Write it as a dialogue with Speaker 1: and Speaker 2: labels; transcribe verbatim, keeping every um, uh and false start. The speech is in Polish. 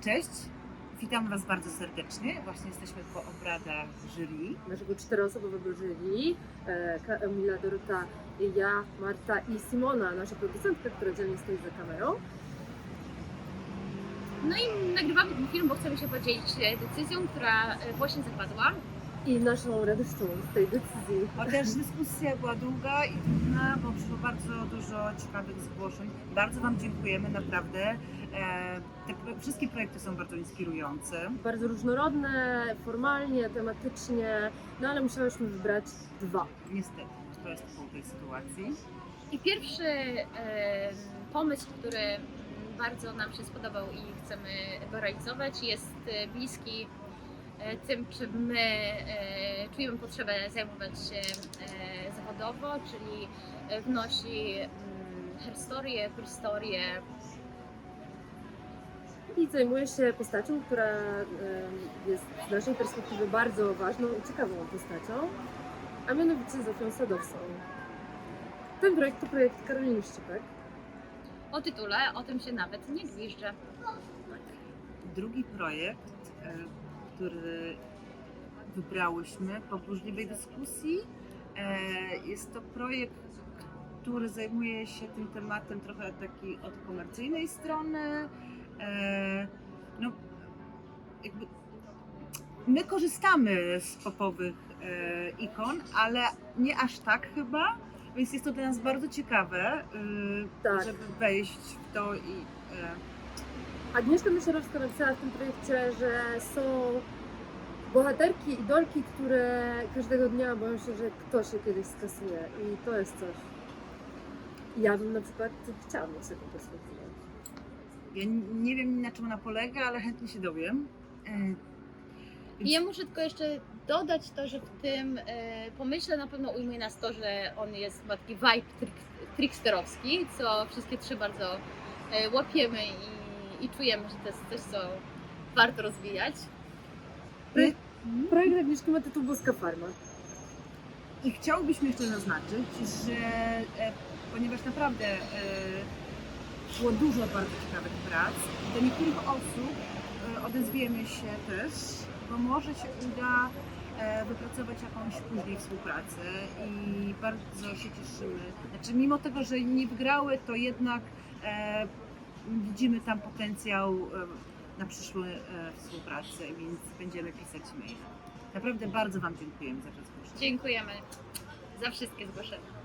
Speaker 1: Cześć, witam Was bardzo serdecznie. Właśnie jesteśmy po obradach jury.
Speaker 2: Naszego czteroosobowego jury, e, Kamila, Dorota, ja, Marta i Simona, nasza producentka, która dzielnie stoi za kamerą.
Speaker 3: No i nagrywamy ten film, bo chcemy się podzielić decyzją, która właśnie zapadła.
Speaker 2: I naszą radością z tej decyzji.
Speaker 1: Chociaż dyskusja była długa i trudna, bo przyszło bardzo dużo ciekawych zgłoszeń. Bardzo Wam dziękujemy, naprawdę. E, te pro- wszystkie projekty są bardzo inspirujące.
Speaker 2: Bardzo różnorodne, formalnie, tematycznie, no ale musiałyśmy wybrać dwa.
Speaker 1: Niestety, to jest pół tej sytuacji.
Speaker 3: I pierwszy e, pomysł, który bardzo nam się spodobał i chcemy go realizować, jest e, bliski e, tym, czym my e, czujemy potrzebę zajmować się e, zawodowo, czyli e, wnosi mm, herstorię, historię.
Speaker 2: I zajmuje się postacią, która em, jest z naszej perspektywy bardzo ważną i ciekawą postacią, a mianowicie Zofią Sadowską. Ten projekt to projekt Karoliny Szczypek.
Speaker 3: O tytule o tym się nawet nie gwiżdżę.
Speaker 1: Drugi projekt, e, który wybrałyśmy po burzliwej dyskusji, e, jest to projekt, który zajmuje się tym tematem trochę takiej od komercyjnej strony. E, no, jakby my korzystamy z popowych e, ikon, ale nie aż tak chyba, więc jest to dla nas bardzo ciekawe, e,
Speaker 2: Tak.
Speaker 1: żeby wejść w to i e,
Speaker 2: Agnieszka Mysierowska napisała w tym projekcie, że są bohaterki, idolki, które każdego dnia boją się, że ktoś je kiedyś skasuje i to jest coś. Ja bym na przykład chciała mieć taką perspektywę.
Speaker 1: ja n- nie wiem, na czym ona polega, ale chętnie się dowiem. E,
Speaker 3: I ja muszę tylko jeszcze dodać to, że w tym e, pomyśle na pewno ujmuje nas to, że on jest, ma taki vibe trik, tricksterowski, co wszystkie trzy bardzo e, łapiemy i, i czujemy, że to jest coś, co warto rozwijać.
Speaker 2: Projekt, projekt Agnieszki ma tytuł Boska Farma.
Speaker 1: I chciałbyśmy jeszcze zaznaczyć, że e, ponieważ naprawdę e, było dużo bardzo ciekawych prac, do niektórych osób e, odezwiemy się też, bo może się uda e, wypracować jakąś później współpracę i bardzo się cieszymy. Znaczy mimo tego, że nie wygrały, to jednak e, widzimy tam potencjał e, na przyszłą e, współpracę, więc będziemy pisać maile. Naprawdę bardzo Wam dziękujemy za to zgłoszenie.
Speaker 3: Dziękujemy za wszystkie zgłoszenia.